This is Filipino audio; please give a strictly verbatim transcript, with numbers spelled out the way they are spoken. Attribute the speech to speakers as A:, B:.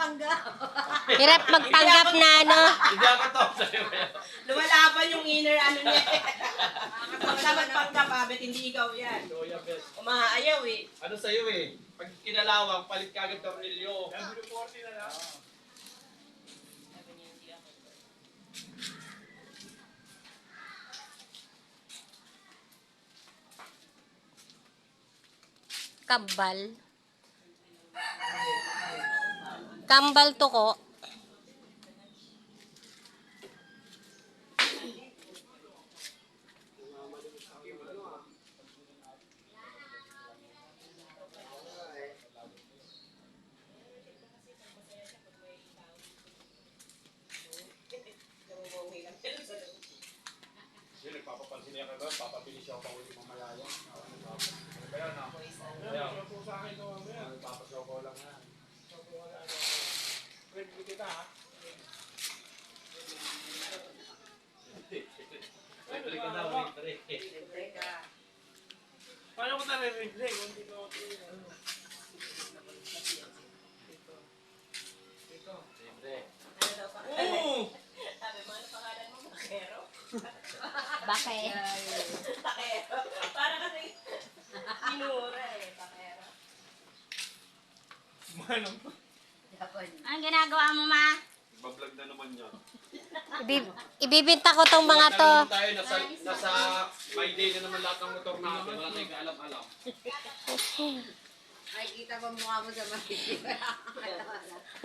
A: magpanggap.
B: Hirap magpanggap na ano.
C: Hindi ako to.
A: Lumalaban yung inner ano niya. Basta magpanggap, abet, hindi ikaw yan.
C: Kuya Bes.
A: Umaayaw eh.
C: Ano sa'yo eh? Pag kinalawang, palit ka agad tornilyo. forty na lang.
B: Kambal. Kambal to ko.
C: Hindi, nagpapapansin niya ka ba? Papabili siya pa ulit mamaya yan. Kaya na. Kaya po sa akin ito mamaya. Nagpapasoko lang yan. Pwede kita ha? Pwede ka na, wait, paano ko nare-replay kung hindi ko Oo!
A: Sabi mo, ano pangalan mo? Takero?
B: Bakit?
A: Takero. Para kasi minura eh, takero.
C: Manong.
B: Anong ginagawa mo, ma?
C: Bablog na naman yan.
B: Ibib ibibinta ko tong mga to.
C: Tayo, nasa, nasa my day na naman lahat ng motor natin. Wala tayong kaalam-alam.
D: Ay, kita pa mukha mo sa makikita.